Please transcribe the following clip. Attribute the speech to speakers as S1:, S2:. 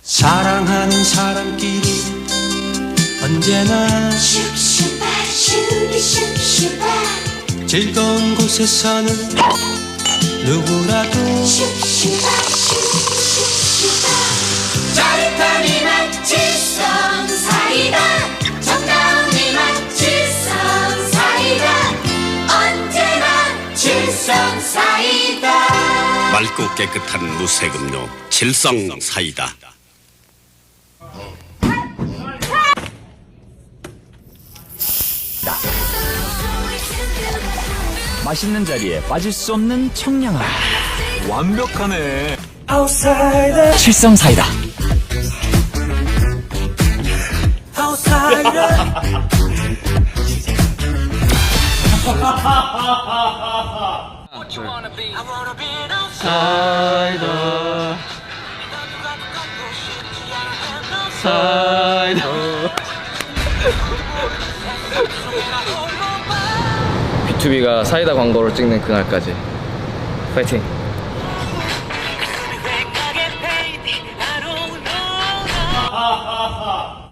S1: 사랑하는 사람끼리 언제나
S2: 슉슉바 슈비 슉슉바
S1: 즐거운 곳에서는 누구라도
S2: 슉슉바 슉슉바 짜릿한 이맛 질성 사이다 정다운 이맛 질성 사이다 언제나 질성 사이다
S3: 맑고 깨끗한 무색음료 질성 사이다.
S4: 맛있는 자리에 빠질 수 없는 청량함.
S5: 완벽하네.
S4: 칠성 사이다.
S6: B2B가 사이다 광고를 찍는 그날까지 파이팅!